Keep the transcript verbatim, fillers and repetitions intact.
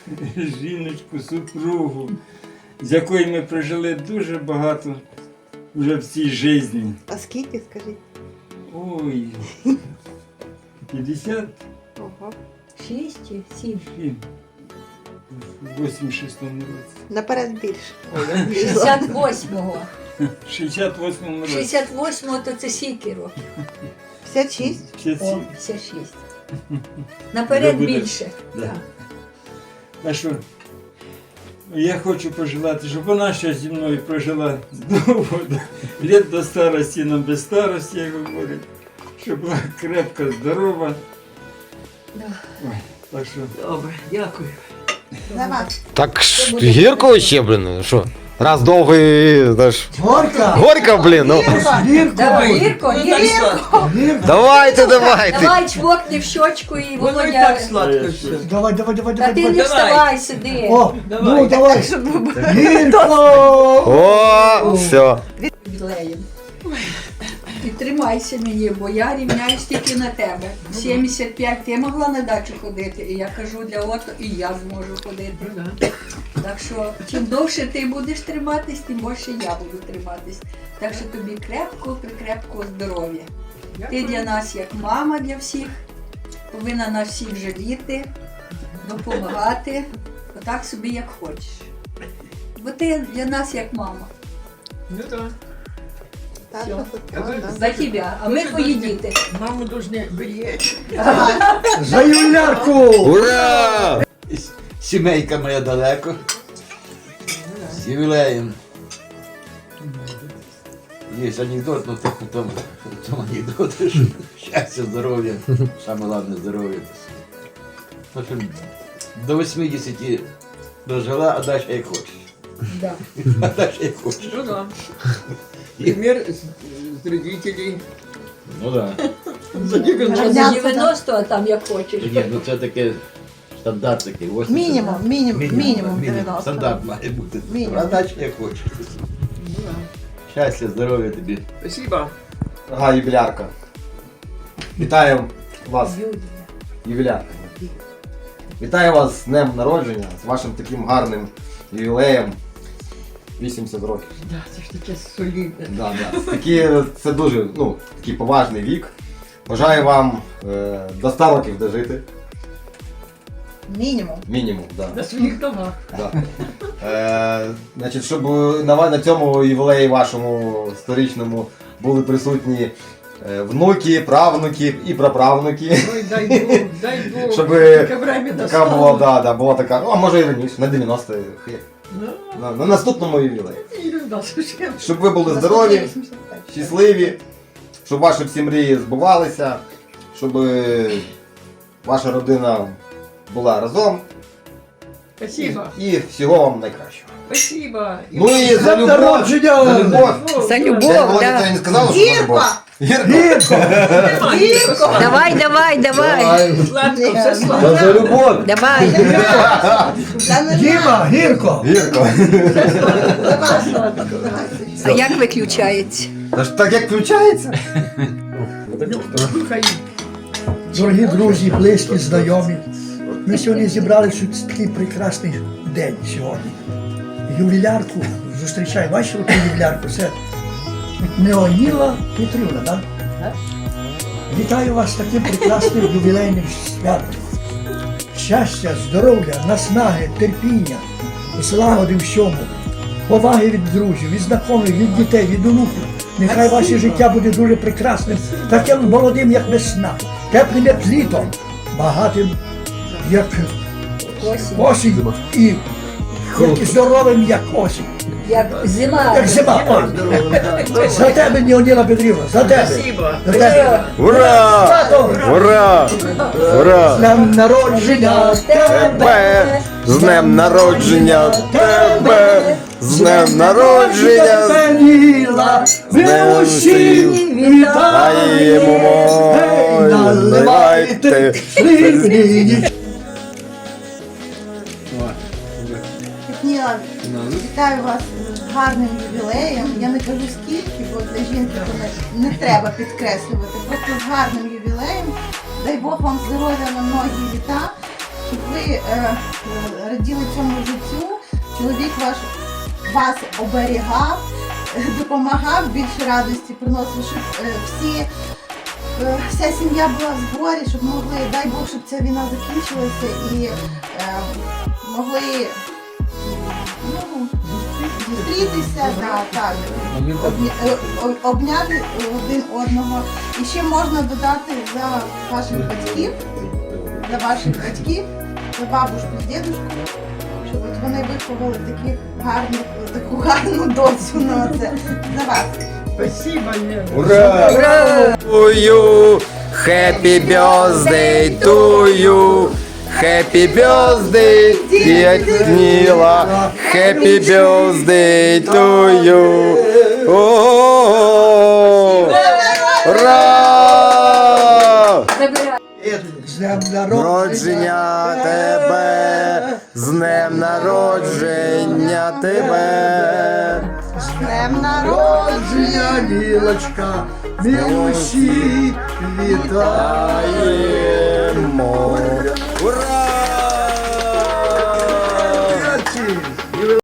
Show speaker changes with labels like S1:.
S1: жіночку, супругу, з якою ми прожили дуже багато вже в цій житті.
S2: А скільки, скажіть?
S1: Ой, п'ятдесят
S2: Ого.
S3: Шість чи сім?
S1: в вісімдесят шостому році.
S2: Наперед більше.
S3: шістдесят восьмого.
S1: В шістдесят восьмому році.
S3: шістдесят восьмого то це скільки років?
S2: п'ятдесят шість?
S1: п'ятдесят
S3: О,
S1: сім.
S3: п'ятдесят шість. Наперед
S1: Вже буде.
S3: більше.
S1: Да.
S3: Так.
S1: А що? Я хочу пожелати, щоб вона ще зі мною прожила довго, літ до старості, нам без старості, як говорять, щоб була крепка, здорова.
S3: Да.
S1: Ой, так що...
S4: Добре, дякую.
S2: Давай.
S5: Так ж гірко ще, блін, що? Раз довго і, знаєш,
S4: Горка!
S5: горько, блін, ну.
S4: Гірко!
S3: Давай, Гірко,
S4: Ну, так
S3: Гірко.
S4: сладко. Гірко.
S5: Давайте, давайте.
S3: Давай чмокни в щочку і
S4: Воно і
S3: Володя.
S4: так сладко все. Давай, давай, давай,
S3: Та
S4: давай.
S3: ти не
S4: давай.
S3: вставай, сиди.
S4: О,
S1: Давай.
S4: ну давай. Гірко!
S5: О, все.
S3: Ювілеєм. І тримайся мені, бо я рівняюсь тільки на тебе. сімдесят п'ять ти могла на дачу ходити, і я кажу для ото, і я зможу ходити. Так що, чим довше ти будеш триматись, тим більше я буду триматись. Так що тобі крепко, прикрепкого здоров'я. Ти для нас як мама для всіх, повинна нас всіх жаліти, допомагати, отак собі як хочеш. Бо ти для нас як мама.
S4: Ну так.
S2: Так,
S3: Всё.
S2: що тут,
S4: А ви-
S2: да.
S3: За тебе, а ми твої діти.
S4: Маму должны беречь.
S6: За Юлярку!
S5: Ура!
S7: Сімейка моя далеко. З ювілеєм. Є анекдот, ну то, то, то анекдот, що щастя, здоров'я. Саме головне здоров'я. В общем, до вісімдесят дожила, а далі як хочеш.
S3: Да.
S7: А далі як хочеш.
S4: Ну да. Пример с, с родителей.
S7: Ну так.
S4: За девяносто.
S3: За дев'яносто, а там як хочеш.
S7: Ні, ну це таке стандарт такий. вісімдесят.
S2: Мінімум, мінімум, мінімум
S7: Мінімум.
S2: дев'яносто.
S7: Стандарт має бути.
S2: Мінімум.
S7: А далі як хочеш. Щастя, здоров'я тобі.
S4: Спасибо.
S6: Ага, юбілярка. Вітаю вас,
S3: Юлія.
S6: ювілярка. Вітаю вас з днем народження, з вашим таким гарним ювілеєм. вісімдесят років.
S4: Да, це ж таке солідне.
S6: Да, да. Такі, це дуже ну, такий поважний вік. Бажаю вам е, до ста років дожити.
S2: Мінімум.
S6: Мінімум, да.
S4: На своїх ногах.
S6: Да. Е, значить, щоб на, ва- на цьому ювілеї вашому сторічному були присутні е, внуки, правнуки і праправнуки.
S4: Ой, дай Бог, дай Бог.
S6: Щоб
S4: Таке время
S6: така була,
S4: настало.
S6: да, да, була така, ну, а може і раніше, на дев'яносто,
S4: Ну,
S6: на, на наступному ювілеї.
S4: і да, слушай.
S6: Щоб ви були здорові, щасливі, щоб ваші всі мрії збувалися, щоб е, ваша родина була разом
S4: Спасибо.
S6: і всього вам найкращого.
S4: Спасибо.
S6: Ну і за
S4: Днем
S6: любов,
S4: народження!
S6: за любов.
S3: За
S6: Я
S3: любов,
S6: Володя
S3: да.
S6: не сказала, що за любов.
S2: Гірко!
S6: Гірко.
S4: Гірко!
S3: Давай, давай, давай.
S4: Сладко, все сладко.
S6: Та за любов.
S3: Давай.
S2: Діма,
S6: Гірко. Гірко.
S3: А як виключається?
S6: Та ж так як включається?
S4: Хай.
S8: Дорогі друзі, близькі, знайомі, ми сьогодні зібралися в такий прекрасний день сьогодні. Ювілярку зустрічаю. Бачите ту ювілярку? Це Неоніла Петрівна, так? Вітаю вас з таким прекрасним ювілейним святом. Щастя, здоров'я, наснаги, терпіння, злагоди всьому, поваги від друзів, від знайомих, від дітей, від онуків. Нехай ваше життя буде дуже прекрасним, таким молодим, як весна, теплим, як літо, багатим, як осінь і, і здоровим, як осінь.
S3: Як зима.
S8: Як зима. Ой. За тебе, Неоніла Петрівна, за тебе.
S4: Спасибо.
S8: За тебе.
S5: Ура!
S8: Свято!
S5: Ура! Ура!
S8: З днем народження
S5: Тебе! З днем народження тебе! З днем народження!
S8: Пеніла, ви усі
S5: Вітаємо!
S8: Гей, наливайте сливні.
S2: Ніла, вітаю вас з гарним ювілеєм. Я не кажу скільки, бо для жінки то не, не треба підкреслювати. Просто з гарним ювілеєм. Дай Бог вам здоров'я на многі літа, щоб ви е, е, раділи цьому життю, чоловік ваш вас оберігав, е, допомагав, більше радості приносив, щоб е, всі, е, вся сім'я була в зборі, щоб могли, дай Бог, щоб ця війна закінчилася і е, могли ну, зустрітися, да, так, обня- е, о- обняти один одного. І ще можна додати за ваших батьків, за ваших батьків, за бабушку з дідушку, щоб от вони виховали таких гарних, таку гарну доцю на це за вас.
S8: Спасибо, Лена.
S6: Ура!
S5: To you, happy birthday to you. Happy birthday, dear Ніла. Happy birthday to you. О, ура!
S3: Забирай.
S8: З днем народження
S5: Народження тебе, з днем народження тебе.
S2: З днем народження!
S8: народження, Лілочка, ми усі вітаємо.
S5: Вітаємо.